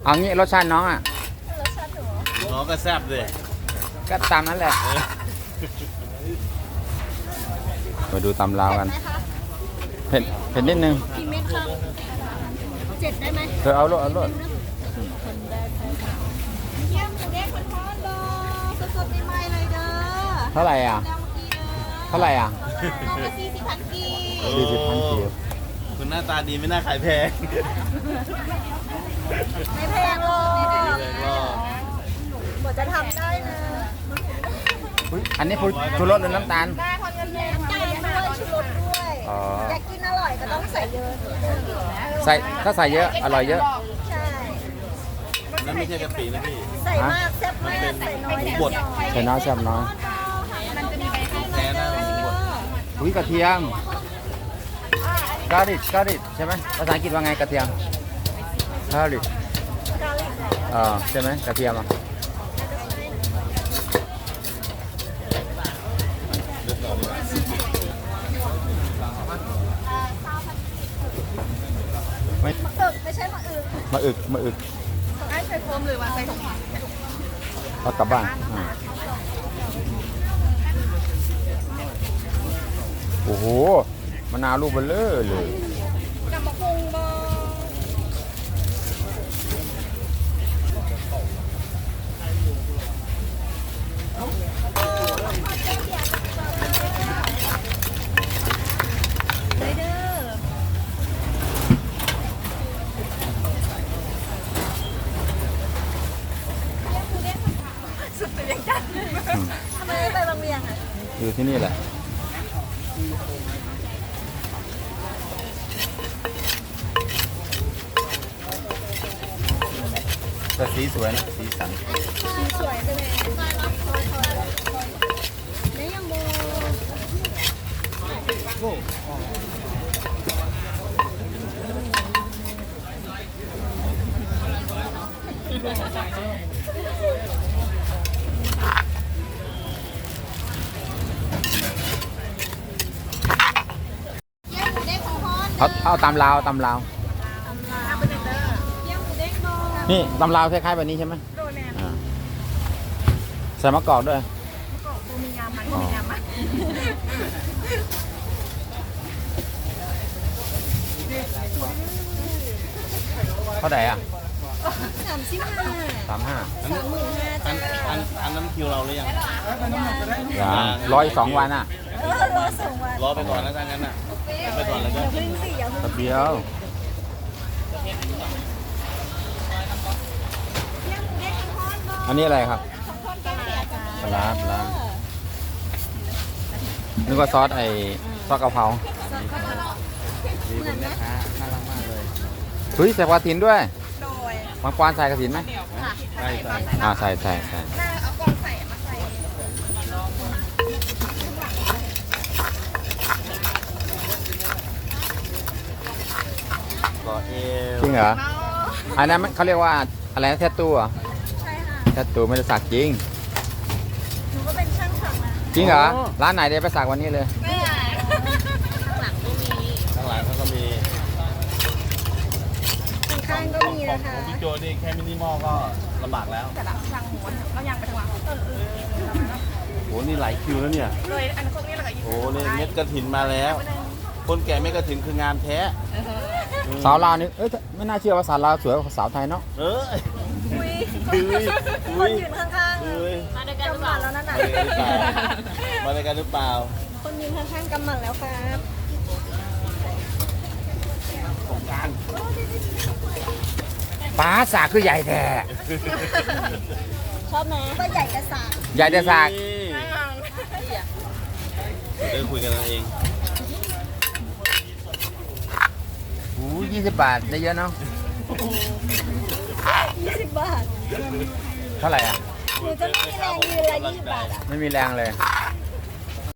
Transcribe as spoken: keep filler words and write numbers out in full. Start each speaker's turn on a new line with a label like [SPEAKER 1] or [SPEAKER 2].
[SPEAKER 1] เอางี้รสชาติน้องอ่ะ
[SPEAKER 2] รสชาติหนู
[SPEAKER 3] น้องก็แซ่บเลย
[SPEAKER 1] ก็ตามนั้นแหละมาดูตำลาวกัน
[SPEAKER 2] ไหมคะ
[SPEAKER 1] เผ็ดเผ็ดนิดนึง
[SPEAKER 2] กี่เม็ดคะเจ็ดได้ไหม
[SPEAKER 1] เธอเอาโลดเอาโลด
[SPEAKER 2] เยี่ยมหมูเด้งคนทอดรอสดๆใหม่ๆเลยเด้อ
[SPEAKER 1] เท่าไหร่อ่ะ
[SPEAKER 2] แล้วเมื่อกี้เด้อ
[SPEAKER 1] เท่าไหร่อ่ะ
[SPEAKER 2] น้องละสี่สิบพันกี
[SPEAKER 1] สี่สิบพันกิโล
[SPEAKER 3] คุณหน้าตาดีไม่น่าขายแพง
[SPEAKER 2] ไม่แพงหรอก
[SPEAKER 3] แพงหรอก
[SPEAKER 2] หมดจะทำได้นะ
[SPEAKER 1] อันนี้ชูรสหรือน้ำตาล
[SPEAKER 2] ได้ทอดเงินแดงน้ำตาลด้วยชูรสด้วย
[SPEAKER 1] อ๋อ
[SPEAKER 2] อยากกินอร่อยก็ต้องใส่เยอะ
[SPEAKER 1] ใส่ถ้าใส่เยอะอร่อยเยอะ
[SPEAKER 2] ใช่
[SPEAKER 3] นั่นไม่ใช่กะปินะพี่
[SPEAKER 2] ใส่มากแซ่บมากใส่น้อย
[SPEAKER 3] บด
[SPEAKER 1] ใส่น้อยแซ่บน้อย
[SPEAKER 2] มันจะมีใบให้
[SPEAKER 3] แท้นะบด
[SPEAKER 1] อุ้ยกระเทียมกาลิกกาลิกใช่ไหมภาษาอังกฤษว่าไงกระเทียมกาลิกเออใช่ไหมกระเทียมอ่ะไม่
[SPEAKER 2] มะอึกไม่ใช่มะอึก
[SPEAKER 1] มาอึกมาอึก
[SPEAKER 2] ไอ้ใส่โฟมหรือว่าใส่ถุง
[SPEAKER 1] เอากลับบ้านอ่าโอ้โหมะนาวลูกเบลเลอร์เลย
[SPEAKER 2] กับมะพุงบอเลยเด้อสุดตัวยังจัดทำไมไม่ไปบางเวียงอ่ะ
[SPEAKER 1] อยู่ที่นี่แหละแต่สีสวยนะสีสัน
[SPEAKER 2] สีสวยจังเลยแล้วยังโบ เยี่ยมหมูเด้งของฮอน
[SPEAKER 1] เอาเอาตำลาวตำลาว
[SPEAKER 2] ตำลาเป็นเด้อเยี่ยมหมูเด้งโด
[SPEAKER 1] นี่ตำลาวคล้ายๆแบบนี้ใช่ไหม
[SPEAKER 2] โดแนน
[SPEAKER 1] อ่าใส่มะกอกด้วย
[SPEAKER 2] ก็บูมีงามมันมีงามมัน
[SPEAKER 1] เท่าไหร่อ่ะ
[SPEAKER 2] สามสิบห้า
[SPEAKER 1] สามห้า
[SPEAKER 2] สามหมื่นห้า
[SPEAKER 3] อั
[SPEAKER 2] จ้าน
[SPEAKER 3] อันอันนั้นคิวเราหรือยัง
[SPEAKER 1] อย่างร้อยสองวันอ่ะ
[SPEAKER 2] เออรอสองวัน
[SPEAKER 3] รอไปก่อนนะถ้างั้นน่ะรอไปก่อนแล้วก็
[SPEAKER 2] อย่าเพึ่งสิอย่าเพึ่ง
[SPEAKER 1] ตะเบียว
[SPEAKER 2] เยี่ยมหมูเด้งของฮอนบอ
[SPEAKER 1] อันนี้อะไรครับ
[SPEAKER 2] ของฮอนแกงเสียจ้า
[SPEAKER 1] ปลาร้าปลาร้า นึกว่าซอสไอ้ซอสกะเพรา
[SPEAKER 2] เหมือนไหม
[SPEAKER 3] น่ารักมากเลย
[SPEAKER 1] เฮ้ยใส่กระถินด้วย
[SPEAKER 2] โดย
[SPEAKER 1] บางกวานใส่กระถินไหม
[SPEAKER 2] ค่ะ
[SPEAKER 3] ใช่ใช่
[SPEAKER 1] อ่าใส่ใส่ใส่
[SPEAKER 2] น่าเอากล่องใส่มาใส่
[SPEAKER 3] ก่อเอว
[SPEAKER 1] จริงเหรอ อันนั้นมันเขาเรียกว่าอะไรนะแทตตูเหรอ
[SPEAKER 2] ใช่ค่ะ
[SPEAKER 1] แทตตูไม่ได้สักจริง
[SPEAKER 2] หนูก็เป็นช่างสักนะ
[SPEAKER 1] จริงเหรอ ร้านไหนเดี๋ยวไปสักวันนี้เลย
[SPEAKER 2] ไม่ใช่ข้างหลังก็มี
[SPEAKER 3] ข้างหลังเขาก็มี
[SPEAKER 2] ข้างๆก็มีนะคะ
[SPEAKER 3] พี่โจนี่แค่มินิมอลก็ลำบากแล้ว
[SPEAKER 2] แต่ละช่างหมูเรายังไปทางหลังเออเออ
[SPEAKER 3] โหนี่หลายคิวแล้วเนี่ย
[SPEAKER 2] เลยอันพวกนี้เราก็ยิ
[SPEAKER 3] โอ้นี่เม็ดกระถินมาแล้ว คนแก่เม็ดกระถินคืองามแท้
[SPEAKER 1] สาวลาวนี่เอ้ยไม่น่าเชื่อว่าสาวลาวสวยกว่าสาวไทยเนาะ
[SPEAKER 3] เออ
[SPEAKER 2] อุ้ย
[SPEAKER 3] อุ้ย
[SPEAKER 2] ค
[SPEAKER 3] อุ้
[SPEAKER 2] น
[SPEAKER 3] ย
[SPEAKER 2] ยืนข้างๆ
[SPEAKER 3] อุ้ย
[SPEAKER 2] มาด้วยกันหรือเปล่าแล้วนั่นน่ะ
[SPEAKER 3] มาด้วยกันหรือเปล่า
[SPEAKER 2] คนยืนข้างๆกำหมัดแล้วครับ
[SPEAKER 3] การ
[SPEAKER 1] ป้าสากคือใหญ่แท้
[SPEAKER 2] ชอบไหมก็ใหญ่กระสาน
[SPEAKER 1] ใหญ่แต่สาก
[SPEAKER 3] เดี๋ยวคุยกันเอง
[SPEAKER 1] โอ้ยี่สิบบาทได้เยอะเนาะ
[SPEAKER 2] ยี่สิบบาท
[SPEAKER 1] เท่าไหร่อ่ะ
[SPEAKER 2] หนูจะไม่มีแรงยืนละยี่สิบบาทอ่ะ
[SPEAKER 1] ไม่มีแรงเลย
[SPEAKER 2] ใ